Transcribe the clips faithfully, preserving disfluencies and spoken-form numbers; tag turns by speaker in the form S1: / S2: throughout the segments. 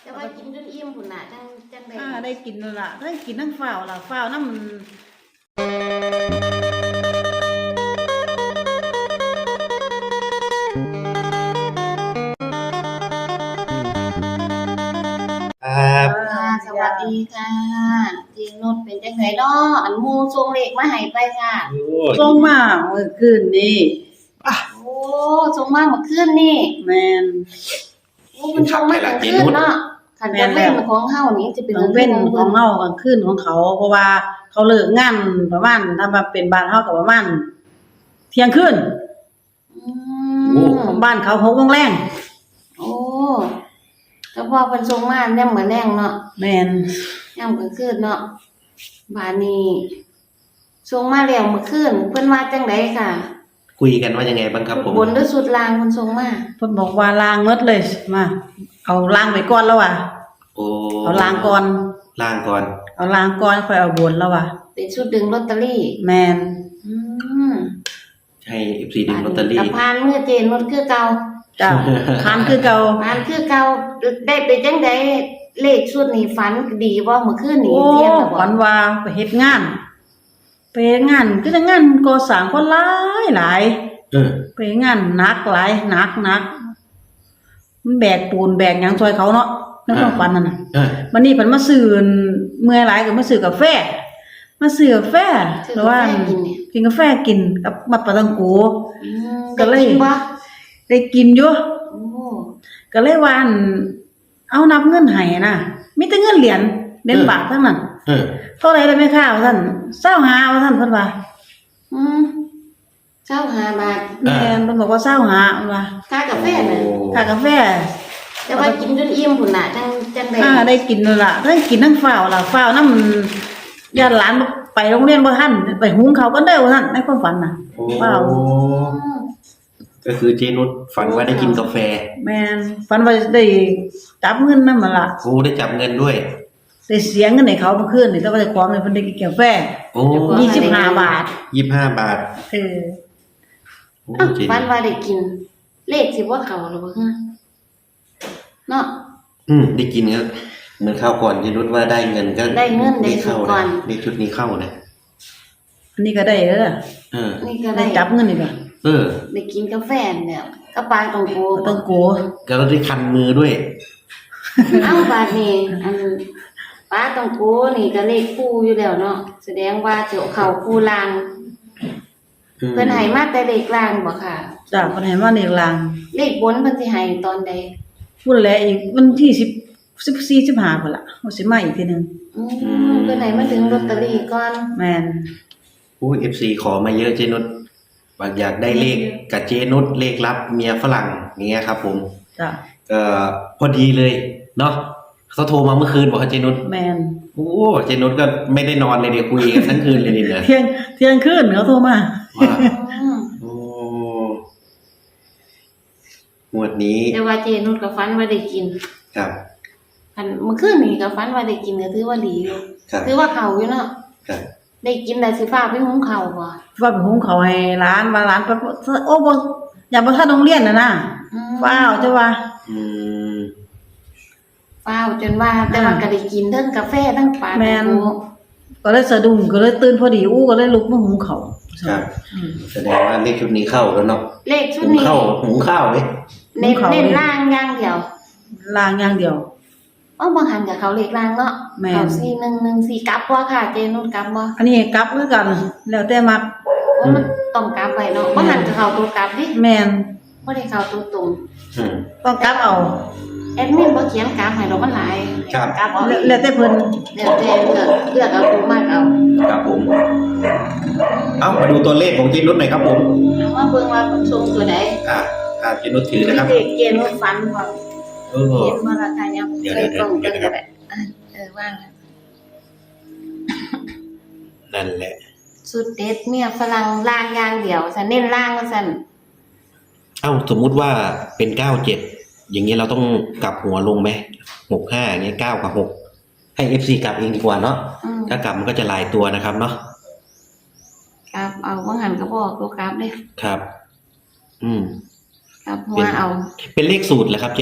S1: แต่ว่ากินจนอิ่มพุ่นน่ะจังจังได้
S2: อ่าได้กินแล้วล่ะได้กินทั้งฝ้าวล่ะฝ้าวน้ำ
S3: ครับ
S1: ค่ะสวัสดีค่ะทีนุชเป็นจังไดเนาะอันหมู่ส่งเลขมาให้ไปค่ะ
S3: โอ้
S2: ส่งมาเมื่อคืนนี้
S1: โอ้ส่งมาเมื่อคืนนี่
S2: แม่น
S1: โอ้มันส่งมาเมื่อคืนเนาะคันจะเป็นของเฮานี่จะเป็น
S2: ต้องเป็นของเฮากลางคืนของเขา เพราะว่าเขาเลิกงานประมาณถ้ามาเป็นบ้านเฮาก็ประมาณเที่ยงคืน
S1: อืม
S2: บ้านเขาหกโมงแรง
S1: โอ้ก็พอเพิ่นส่งมาแนมมื้อแรงเนาะ
S2: แม่น
S1: ยามกลางคืนเนาะบาดนี้ส่งมาแล้วเมื่อคืนเพิ่นว่าจังไดค่ะ
S3: คุยกันว่ายังไงบ้างครับผม
S1: บนหรือสุดล่างเพิ่นส่งมา
S2: เพิ่นบอกว่าล้างหมดเลยมาเอาล้างไปก่อนแล้วว่ะ
S3: โอ้
S2: เอาล้างก่อน
S3: ล่างก่อน
S2: เอาล้างก่อนค่อยเอาบนแล้วว่ะ
S1: เป็นชุดดึงลอตเตอรี่
S2: แม่น
S1: อืม
S3: ให้ เอฟ ซี ดึงลอตเตอรี่
S1: กับพานเมื่อเจนรถคือเก่า
S2: จ้ะทานคือเก่า
S1: พานคือเก่าได้ไปจังไดเลขชุดนี้ฝันดีบ่เมื่อคืนนี้
S2: โอ้
S1: เรียนแล้วบ่
S2: ฝันว่าไปเฮ็ดงาน ไปเฮ็ดงานคือจังงานก่อสร้างคนหลายหลาย
S3: เออ
S2: ไปงานหนักหลายหนักหนักมันแบกปูนแบกหยังซอยเขาเนาะในความฝันนั่นน่ะ
S3: เออ
S2: วันนี้เพิ่นมาซื้อเมื่อยหลายก็มาซื้อกาแฟ มาซื้อกาแฟ
S1: คือ
S2: หรือว่า
S1: แม่กินเนี่ย
S2: กินกาแฟกินกับมัดปลาตังโก
S1: อืม
S2: ก็เลย
S1: ได้กินบ่
S2: ได้กินอยู่
S1: โอ้
S2: ก็เลยว่าอั่นเอานับเงินให้น่ะมีแต่เงินเหรียญเหรียญบาททั้งนั้น
S3: เออ
S2: เท่าไหร่ได้ไหมคะว่าซั่นเศร้าหาว่าซั่นเพิ่นว่า
S1: อืมเจ้าห้าบาท
S2: แม่นเพิ่นบอกว่าเศร้าหาเพิ่นว่า
S1: ค่ากาแฟน่ะ
S2: ค่ากาแฟ
S1: แต่ว่ากินจนอิ่มพุ่นน่ะจังจังได๋
S2: อ่าได้กินแล้วล่ะได้กินทั้งฝ้าวล่ะฝ้าวน้ำญาติหลานไปโรงเรียนบ่ทันไปหุงข้าวกันเด้อว่าซั่นในความฝันน่ะ
S3: โอ้
S2: ว้าว
S3: ก็คือเจนุชฝันว่าได้กินกาแฟ
S2: แม่นฝันว่าได้จับเงินนำมันล่ะ
S3: โอ้ได้จับเงินด้วย
S2: ได้เสียเงินให้เขาเมื่อคืนนี่แต่ว่าได้ความให้เพิ่นได้กินกาแฟ
S3: โอ้
S2: ยี่สิบห้าบาท
S3: ยี่สิบห้าบาท
S2: เออ
S3: โอ้
S1: อ้าว
S3: เจ
S1: ฝั
S3: นุ
S1: น
S3: ช
S1: ว่าได้กิน เลขสิบ่เข้าหรือบ่ฮะเนาะ
S3: อืมได้กินก็เหมือนข้าวก่อนเจนุชว่าได้เงินก็
S1: ได้เงินได้
S3: เข้า
S1: ชุดก่อน
S3: ได้ชุดนี้เข้านะ
S2: อันนี้ก็ได้เด้อ
S3: เออ
S1: นี่ก็
S2: ได้
S1: ได้
S2: จับเงินนี่ก็
S3: เออ
S1: ได้กินกาแฟเนี่ยกระปางตองโก
S2: ต้องโก
S3: ก็ได้คันมือด้วย
S1: เอ้าบาดนี้อันปลาตองโกนี่ก็เลขคู่อยู่แล้วเนาะแสดงว่าเจ้าเข้าคู่ลาง
S3: อืม
S1: เพิ่นให้มาแต่เลขลางบ่ค่ะ
S2: จ้ะเพิ่นให้มาเลขลาง
S1: เลขบนเพิ่นสิให้ตอนใด
S2: พุ่นแหละอีกวันที่สิบ สิบสี่ สิบห้าพุ่นล่ะว่าสิมาอีกทีหนึง
S1: อืมเพิ่นให้มาถึงลอตเตอรี่ก่อน
S2: แม่น
S3: โอ้เอฟซีขอมาเยอะเจนุชบางอยากได้เลขกับเจนุชเลขลับเมียฝรั่งอย่างเงี้ยครับผม
S2: จ้ะ
S3: ก็พอดีเลยเนาะเขาโทรมาเมื่อคืนบอกว่าเจนุช
S2: แม่น
S3: โอ้เจนุชก็ไม่ได้นอนเลยเดี๋ยวคุยกันทั้งคืนเลยเนี่ย
S2: เที่ยงเที่ยงคืนเขาโทรมา
S3: ว่า
S1: อืม
S3: โอ้หมวดนี้
S1: แต่ว่าเจนุชก็ฝันว่าได้กิน
S3: ครับ
S1: คันเมื่อคืนนี่ก็ฝันว่าได้กินก็ถือว่าดีอยู่
S3: ครับ
S1: ถือว่าเข้าอยู่เนาะ
S3: ครับ
S1: ได้กินแต่สิฟ้าไปหุงข้าวบ่
S2: ว่าไปหุงข้าวให้ร้านว่าร้านไปโอ้บ่อยากบ่ทันโรงเรียนน่ะนะ
S1: อืม
S2: ว้าวจ้ะว่า
S3: อืม
S1: ฟ้าวจนว่าแต่ว่าก็ได้กินทั้งกาแฟทั้งปลา
S2: แม่น
S1: ตองโก
S2: ก็เลยสะดุ้งก็เลยตื่นพอดีอู้ก็เลยลุกมาหุงข้าว
S3: ครับ
S2: อืม
S3: แสดงว่าเลขชุดนี้เข้าแล้วเนาะ
S1: เลขชุ
S3: หุ
S1: ด
S3: ง
S1: นี้
S3: ข้าวหุงข้าวเลย
S1: เน้น
S2: หุงข้าว
S1: เน้นล่างอย่างเดียว
S2: ล้างอย่างเดียว
S1: เอ้าบางหันกับเขาเลขล่างเนาะ
S2: แม่น
S1: เขาสี่หนึ่งหนึ่งสี่กลับบ่ค่ะเจนุชกลับบ่
S2: อันนี้กลับคือกัน แล้วแต่มัก
S1: ว่ามันต้องกลับไปเนาะบางหันกับเขาตัวกลับดิ
S2: แม่น
S1: บ่ได้เข้าตัวตรง
S3: อืม
S2: ต้องกลับเอา
S1: แอดมินบ่เขียนกราฟให้ดอกมันหลาย
S3: ครับ
S1: กราฟเอา
S2: แล้วแล้วแต่เพิ่น
S1: แล้วแต่เลือกเลือกเอาตัวมากเอา
S3: ครับผม เอ้ามาดูตัวเลขของเจนุชหน่อยครับผม
S1: เอาว่าเบิ่งว่าเพิ่นส่งตัวใด
S3: อ่าอ่าเจนุชถือนะครับ
S1: เลขเจนุชฝันบ่
S3: เออ
S1: เห็นบ่ล่ะค่ะยัง
S3: เดี๋ยว
S1: ใส่กล่อง
S3: เดี๋
S1: เบิ่
S3: ยว
S1: ง
S3: เดี๋ยว
S1: ก็ได้อ่ะเออว่างแล้ว
S3: นั่นแหละ
S1: สุดเด็ดเมียฝรั่งล่างอย่างเดียวฉันเน้นล่างว่าซั่น
S3: เอ้าสมมุติว่าเป็นเก้าเจ็ดอย่างเงี้ยเราต้องกลับหัวลงไหมหกห้าอย่างเงี้ยเก้ากับหกให้เอฟซีกลับเองดีกว่าเนาะ
S1: อืม
S3: ถ้ากลับมันก็จะหลายตัวนะครับเนาะ
S1: กราฟเอาบางหันก็บอกตัวกราฟเด้
S3: ครับ อืม
S1: กราฟหัวเอา
S3: เป็นเลขสูตรแหละครับเจนุช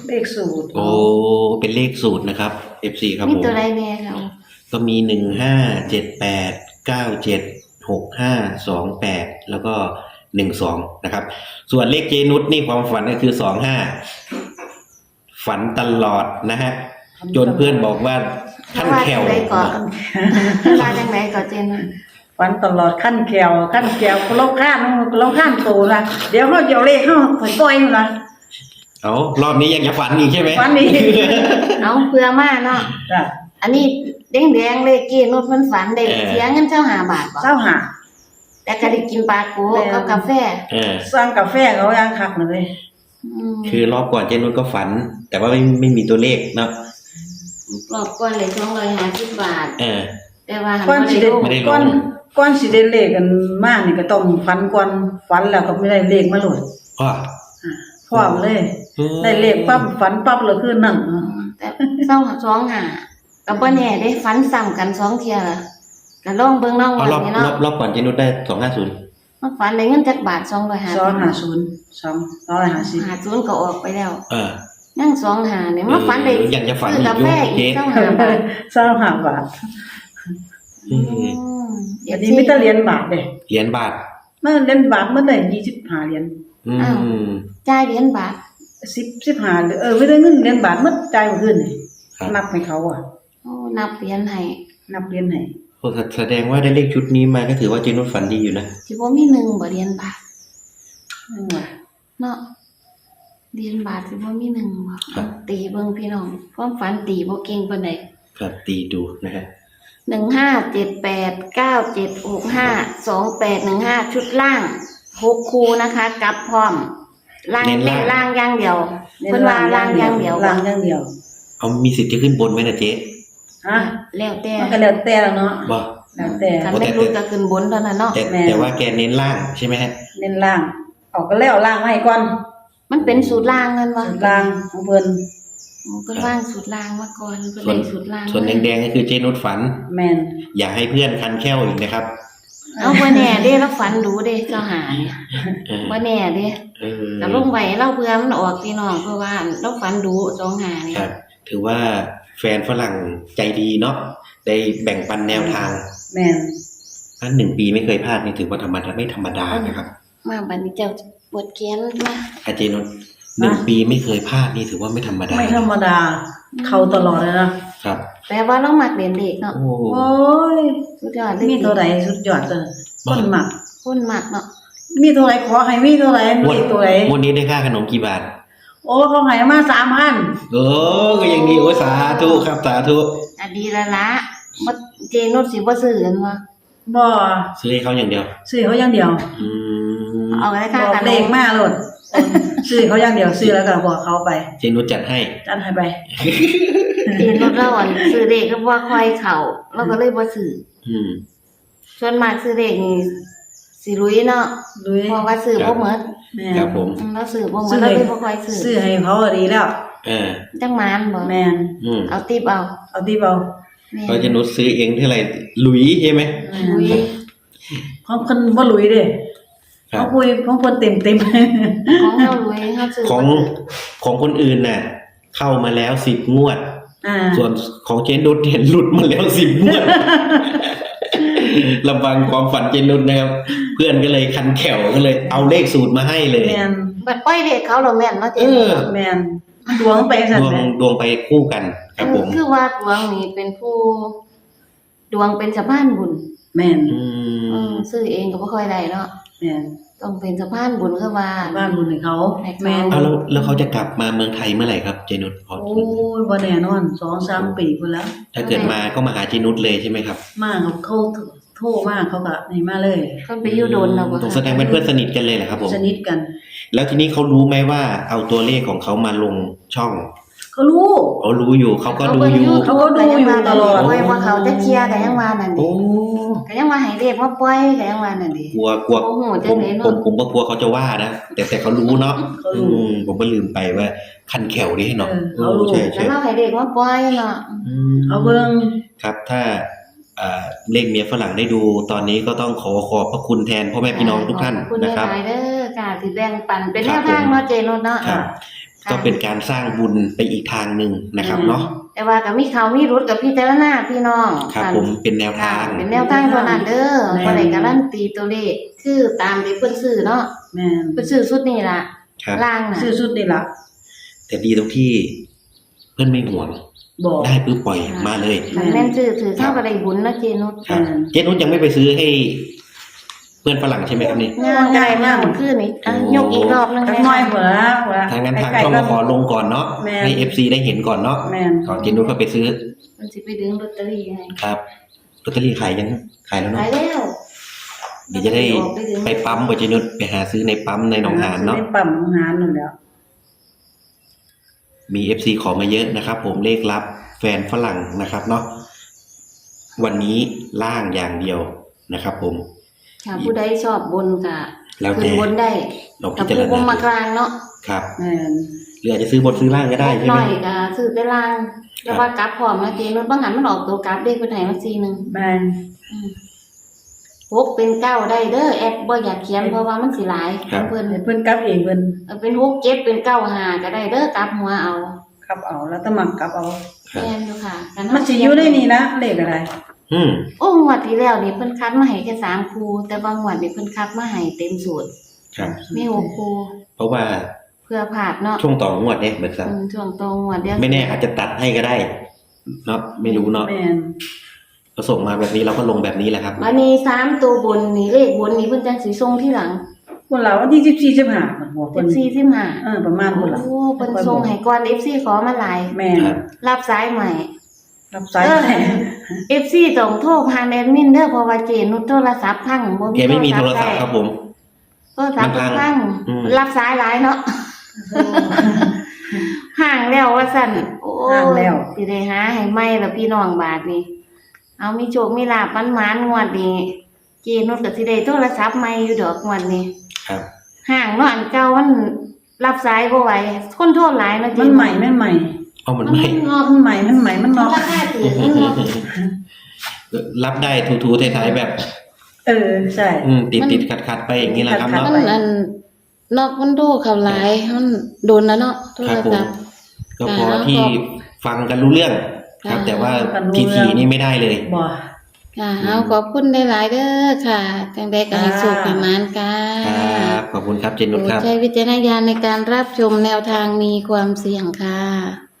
S2: เลขสูตร
S3: โอ้เป็นเลขสูตรนะครับ เอฟ ซี ครับ
S1: มี
S3: ผม
S1: ตัวใดแน่เขา
S3: ก็มีหนึ่งห้าเจ็ดแปดเก้าเจ็ดหกห้าสองแปดแล้วก็หนึ่งสองนะครับ ส่วนเลขเจนุสนี่ความฝันก็คือสองห้าฝันตลอดนะฮะจนเพื่อนบอกว่าขั้นแขว
S1: ว่าจังไดก่อนว่าจังไดก่อนเจน
S2: ฝันตลอดขั้นแก้วขั้นแก้วเราข้านเราข้านโตนะเดี๋ยวเขาจะเอาเลขเขาถอยปล่อยนะ
S3: เอารอบนี้ยังจะฝันอีกใช่ไหม
S2: ฝันนี้
S1: เอาเพื่อมาเนาะ
S2: จ้ะ
S1: อันนี้แดงๆเลยเกนุดมันฝันได้เสียเงินเจ้าหาบาทบ่
S2: เจ้าหา
S1: แต่ก็ได้กินปลาโกกับกาแฟ
S3: เออ
S2: สร้างกาแฟเขาย่างคักเลย
S1: อืม
S3: คือรอบก่อนเจนุสก็ฝัน แต่ว่าไม่ไม่มีตัวเลขเนาะ
S1: รอบก่อนเลยสองร้อยห้าสิบบาท
S3: เออ
S1: แต่ว่าหัน
S2: ก้อน
S1: บ่
S2: สิ
S1: ได้
S2: ได้
S1: ลง
S3: ไม่ได้ลง
S2: ก้อนก้อนสิได้เลขกันมากนี่ก็ต้องฝันก่อนฝันแล้วก็ไม่ได้เลขมาโหลด
S3: พ่อ
S2: อ่าพร้อมเลย ได้เลขปั๊บฝันปั๊บเลยคือนั่น
S1: อืมแต่เศร้าสองหาก็บ่แน่ได้ฝันซ้ำกันสองเที่ยล่ะก็ลองเบิ่งน้อง
S3: เอา
S1: วัน
S3: รอบ
S1: นี้
S3: รอ
S1: เนาะ
S3: บรอบก่อนเจนุสได้สองห้าศูนย์
S1: มันฝันได้เงินจักบาทสองร้อยห้า
S2: สอง
S1: สิบ
S2: ห้าศูนย์สองร้อยห้าสิบ
S1: หาศูนย์ก็ออกไปแล้ว
S3: เออ
S1: นั่งสองหาเนี่ยมาฝันได้
S3: เออยังจะฝัน
S1: ซื้อกาแฟ
S3: อี
S1: อี
S3: ก
S1: ก
S3: อยู่
S1: เจ้าหาบาท
S2: สองห้าบาท
S3: อืม
S1: อืม
S2: อันนี้มีแต่เหรียญบาทเด้
S3: เหรียญบาท
S2: มันเหรียญบาทมันได้ยี่สิบห้าเหรียญ
S3: อืม
S1: จ่ายเหรียญบาท
S2: สิบสิบห้าเออไม่ได้เงินเหรียญบาทมันจ่ายบ่ขึ้นนี่
S3: ครับ
S2: นับให้เขาอ่ะ
S1: โอ้นับเหรียญให้
S2: นับเหรียญให้
S3: โอ้แสดงว่าได้เลขชุดนี้มาก็ถือว่าเจนุสฝันดีอยู่นะ
S1: สิบ่มีหนึ่งบ่เหรียญบาท
S2: นั่นว่ะ
S1: เนาะเหรียญบาทสิบ่มีหนึ่งบ่
S3: ครับ
S1: ตีเบิ่งพี่น้องความฝันตีบ่เก่งปานใด
S3: ครับตีดูนะฮะ
S1: หนึ่งห้าเจ็ดแปดเก้าเจ็ดหกห้าสองแปดหนึ่งห้าชุดล่างหกคูนะคะกลับพร้อมล่าง
S3: เน้น
S1: เน้
S3: ล่าง
S1: นล่างอย่างเดียวเพิ่นว่าล่างอย่างเดียว
S2: ล่างอย่างเดียว
S3: เอามีสิทธิ์จะขึ้นบนไหมนะเจ๊
S2: ฮะ
S1: แล้วแต่
S2: มันก็แล้วแต่แล้วเนาะ
S3: บ่
S2: แล้วแต่
S1: คันไม่รู้ก็ขึ้นบนเท่านั้นเนาะ
S3: แต่
S2: แม่
S3: แต่ว่าแกเน้นล่างใช่ไหมฮะ
S2: เน้นล่างเออกก็แล้วล่างมาให้ก่อน
S1: มันเป็นสูตรล่างนั่นวะ
S2: สูตรล่างของเพิ่น
S1: เพิ่นว่างสูตรล่างมาก่อนเพิ่นเลยสูตรล่าง
S3: ส่วนแดงๆก็คือเจนุสฝัน
S2: แม่น
S3: อย่าให้เพื่อนคันแค้วอีกนะครับ
S1: เอาบ่แน่เด้เราฝันดูเด้เจ้าหาเนี่ย
S3: เออ
S1: บ่แน่เด้
S3: เออ
S1: ก็ลงไว้เราเพื่อมันออกพี่น้องเพราะว่าเราฝันดูสองหาเนี่ย
S3: ครับ ถือว่าแฟนฝรั่งใจดีเนาะได้แบ่งปันแนวทาง
S2: แม่น
S3: อันหนึ่งปีไม่เคยพลาดนี่ถือว่าธรรมดาไม่ธรรมดานะครับ
S1: มาบัดนี้เจ้าปวดแขนมา
S3: อาเจนุสหนึ่งปีไม่เคยพลาดนี่ถือว่าไม่ธรรมดา
S2: ไม่ธรรมดา เข้าตลอดเลยนะครับ
S1: แปลว่าเรามักเรียนเลขเนาะ
S3: โอ้
S2: โอ้ย
S1: สุดยอดเลย
S2: มีตัวใดสุดยอดเลยคนมัก
S1: คนมักเนาะ
S2: มีตัวไหนขอให้มีตัวไหน
S3: งว
S2: มี
S3: ด
S2: ตัวไหน
S3: งวดนี้ได้ค่าขนมกี่บาท
S2: โอ้เขาให้มาสามพัน
S3: โอ้ก็ยังดีโอ้สาธุครับสาธุ
S1: อะดีละละบ่เจนุชสิบ่ซื้อกันบ่
S2: บ่
S3: ซื้อให้เขาอย่างเดียว
S2: ซื้อเขาอย่างเดียว
S3: อืม
S1: เอาได้
S2: บ
S1: ค่า
S2: อก
S1: กัน
S2: เลขมาโลดซื้อเขาอย่างเดียวซื้อแล้วก็บอกเขาไป
S3: เจนุสจัดให้
S2: จัดให้ไป
S1: เจนุชเราอ่ะซื้อเลขก็บ่ค่อยเข้าเราก็เลยบ่ซื้อ
S3: อืม
S1: ส่วนมากซื้อเลขนี่สิลุยเนาะ
S2: ลุย
S1: เพราะว่าซื้อบ่หมด
S2: แม่
S3: ครับผม
S1: อืมเราซื้อบ่หมดเราเลยบ่ค่อยซื้อ
S2: ซื้อให้เขาก็ดีแล้ว
S3: เออ
S1: จังหมานบ่
S2: แม่น
S3: อืม
S1: เอาติปเอา
S2: เอาที่เบา
S1: แม่
S3: เขาเจนุสซื้อเองเท่าไหร่หลุยใช่ไหม
S1: ลุย
S2: ของคนบ่ลุยเด้
S3: ครั
S2: เขา
S3: บ
S2: คุยของคนเต็มเต็ม
S1: ของเราลุยเขาซื้อ
S3: ของของคนอื่นน่ะ เข้ามาแล้วสิบงวด
S2: อ่า
S3: ส่วนของเจนุสเห็นหลุดมาแล้วสิบงวด ลำบังความฝันเจนุสนะครับ เพื่อนก็เลยคันแขวก็เลยเอาเลขสูตรมาให้เลย
S2: แม่น
S1: บัดปล่อยเลขเขาเราแม่นเนาะเจ
S3: เออ
S2: แม่นดวงไปสั่น
S3: ดวง
S2: แหละ
S3: ดวงไปคู่กันครับผม
S1: คือว่าดวงนี่เป็นผู้ ดวงเป็นสะพานบุญ
S2: แม่น
S3: อื
S1: อื
S3: ม
S1: มซื้อเองก็บ่ค่อยได้เนาะ
S2: แม่น
S1: ต้องเป็นสะพานบุญคือว่า
S2: บ้านบุญให้เขา
S1: ให้เขา
S2: แม่น
S3: เอาแล้วแล้วเขาจะกลับมาเมืองไทยเมื่อไหร่ครับเจนุสพอ
S2: โอ้ยบ่แน่นอนสองสามปีพุ่นแล้ว
S3: ถ้าเกิดมาก็มาหาเจนุสเลยใช่ไหมครับ
S2: มาเขาเขาโทรมาเขาก็นี่มาเลย
S1: เพิ่นไปอยู่โดนแล้วบ่
S3: ต้องแสดงเป็นเพื่อนสนิทกันเลยเหรอครับผม
S2: สนิทกัน
S3: แล้วทีนี้เขารู้ไหมว่าเอาตัวเลขของเขามาลงช่อง
S2: เขารู้
S3: เขารู้อยู่เขาก็ดูอยู่
S2: เขาก็ดูอยู่ตลอด
S1: โอ้ยว่าเขาจะเคลียร์ก็ยังว่านั่น
S3: โอ้
S1: ดิก็ยังว่าให้เลขมาปล่อยก็ยังว่านั่นดิ
S3: กลัวกลัว
S1: โอ้โห
S3: ผ
S1: จัง
S3: ม
S1: เลย
S3: ผ
S1: เนาะ
S3: มผมก็กลัวเขาจะว่านะแต่แต่เขารู้เนาะ
S2: เขา
S3: อื
S2: รู้
S3: มผมก็ลืมไปว่าคันแขวนี่ให้เนาะ
S2: เออเขารู้
S3: ใช่
S1: แล้
S3: ใช่
S1: วเราให้เลขมาปล่อยเนาะ
S3: อืม
S2: เขาเบิ่ง
S3: ครับถ้าอ่าเลขเมียฝรั่งได้ดูตอนนี้ก็ต้องขอขอบพระคุณแทนพ่อแม่พี่น้องทุกท่าน
S1: ขอบคุณ
S3: นะครับ
S1: หลายๆเด้อค่ะที่แบ่งปันเป็น
S3: ค
S1: แน
S3: รับ
S1: วทาง
S3: ผม
S1: เนาะเจนุชเนาะ
S3: ครับ
S1: ค่ะ
S3: ก็เป็นการสร้างบุญไปอีกทางหนึ่งนะครับเนาะ
S1: แต่ว่ากับมีเขามีรุดกับพี่เจารณาพี่น้อง
S3: ครับผมเป็นแนว
S1: ค่ะ
S3: ทาง
S1: เป็นแนวทางเท่านั้นเด้อบ่ได้การันตีตัวเลขคือตามที่เพิ่นซื้อเนาะ
S2: แม่น
S1: เพิ่นซื้อสุดนี่ล่ะ
S3: ครับ
S1: ล่างน่ะ
S2: ซื้อสุดนี่ล่ะ
S3: แต่ดีตรงที่เพื่อนไม่ห่วง
S2: บอก
S3: ได้ปุ๊บปล่อยมาเลย
S1: มันแม่นซื้อถือเท่ากับได้บุญนะเจนุช
S3: ครับ
S2: อืม
S3: เจนุชยังไม่ไปซื้อให้เพื่อนฝรั่งใช่ไหมครับนี่
S1: งานใหญ่มากเมื่อคืนนี้อ่ะ
S3: โอ้
S1: ยกอีกรอบหนึง
S2: จัก
S1: แม่
S2: หน้อยพุ่นละพุ่นละ
S3: ทางนั้นทาง
S2: ใกล้ๆ
S3: ช่อง
S2: กั
S3: มาน ขอลงก่อนเนาะ
S2: แม่น
S3: ให้เอฟซีได้เห็นก่อนเนาะ
S2: แม่น
S3: ก่อนเจนุชก็ไปซื้อ
S1: มันสิไปดึงลอตเตอรี่ให้
S3: ครับลอตเตอรี่ขายยังขายแล้วเนาะ
S1: ขายแล้ว
S3: เดี๋ยวจะได้ไปปั๊มบ่เจนุชไปหาซื้อในปั๊มในหนองหานเนาะ
S2: ในปั๊มหนองหานนั่นแหล้ว
S3: มี เอฟ ซี ขอมาเยอะนะครับ ผมเลขลับแฟนฝรั่งนะครับเนาะวันนี้ล่างอย่างเดียวนะครับผม
S1: ค่ะผู้ใดชอบบนก็
S3: แล้ว
S1: ขึ้
S3: แต่
S1: นบนได้
S3: ลองพิ
S1: กับ
S3: จาร
S1: ผู้บ่
S3: ณา
S1: มากลางเนาะ
S3: ครับ
S2: แม่น
S3: หรืออาจจะซื้อบนซื้อล่างก็ได้ใช่
S1: ห
S3: ไหม
S1: น่อยก็ซื้อแต่ล่างแล้วว่ากลับพร้อมนะเจนุชบางหันมันออกตัวกลับเด้เพิ่นให้มาสี่หนึง
S2: แม่น
S1: หกเป็นเก้าได้เด้อแอดบ่อยากเขียนเพราะว่ามันสิหลายเพิ่น
S2: ให้เพิ่นกลับเองเพิ่น
S1: เอาเป็นหกเจ็ดเป็นเก้าห้าก็ได้เด้อกลับหัวเอา
S2: กลับเอาแล้วแตะมักกลับเอา
S3: ครับ
S1: แม่นอยู่ค่ะกั
S2: มันสิอยู่ในนี่นะเลขอะไร
S3: อืม
S1: โอ้งวดที่แล้วนี่เพิ่นคัดมาให้แค่สามคู่แต่บางงวดนี่เพิ่นคัดมาให้เต็มสูตร
S3: ครับ
S1: มีหกคู่
S3: เพราะว่า
S1: เพื่อพลาดเนาะ
S3: ช่วงต่องวดเนี่ยเหมือนกัน
S1: อืมช่วงตรงงวดเดียว
S3: ไม่แน่อาจจะตัดให้ก็ได้เนาะไม่รู้เนาะ
S2: แม่น
S3: ก็ส่งมาแบบนี้เราก็ลงแบบนี้แหละครับ
S1: บัดนี้สามตัวบนนี่เลขบนนี่เพิ่นจังสิส่งที่หลัง
S2: พุ่นละวันที่สิบสี่ สิบห้าเพิ่นบอก
S1: สิ
S2: เพิ่
S1: บ
S2: น
S1: สี่สิบห้า
S2: เออประมาณพุ่นละ
S1: โอ้เพิ่นส่งให้ก่อน เอฟ ซี ขอมาหลาย
S2: แม่น
S3: ครับ
S1: รับสายใหม่
S2: รับสาย
S1: เออ
S2: แม่
S1: เอฟ ซี ต้องโทรผ่านแอดมินเด้อเพราะว่าเจนุชโทรศัพท์พังบ่
S3: แกไม่มีโทรศัพท์ครับผม
S1: โทรศัพท์
S3: มันพัง
S1: พัง
S3: อืม
S1: รับสายหลายเนาะห่างแล้วว่าซั่นโอ้
S2: ห่างแล้ว
S1: สิได้หาให้ใหม่แล้วพี่น้องบาดนี้ เอามีโชคมีลาภมันหมานงวดนี้เจนุชก็สิได้โทรศัพท์ใหม่อยู่ดอกงวดนี้
S3: ครับ
S1: ห่างเนาะอันเก่ามันรับสายบ่ไหวคนโทรหลายเนาะเจ
S2: มันใหม่แม่นใหม่
S3: เอามัน
S1: มัน
S3: ไม่
S1: งอก
S2: มันใหม่มันใหม่มัน
S1: มัน
S2: เนาะ
S1: ราคาถือมันงอก
S3: รับได้ทูๆท้ายๆแบบ
S2: เออใช่
S3: อืมติดติดขัดขัดๆไปอย่างนี้แหละครับ
S2: ขัด
S3: เนาะ
S2: ๆ
S4: มันอันนอกมันโดเขาหลายมันโดนแล้วเนาะโท
S3: ค
S4: ร
S3: รับผม
S4: ศัพท์
S3: ก็พอ
S4: อ่า
S3: ที่ฟังกันรู้เรื่อง ครับ
S4: อ่า
S3: แต่ว่า
S2: ฟังรู้
S3: ที
S2: เรื่
S3: ที
S2: อง
S3: นี่ไม่ได้เลย
S2: บ่
S4: ค่ะเอาขอบคุณหลายๆเด้อค่ะจังได้ก็ให้
S2: ค่ะ
S4: สุขประมาณกั
S3: ครับ
S4: น
S3: ขอบคุณครับเจนนุช
S4: โปร
S3: ค
S4: ด
S3: รับ
S4: ใช้วิจารณญาณในการรับชมแนวทางมีความเสี่ยงค่ะ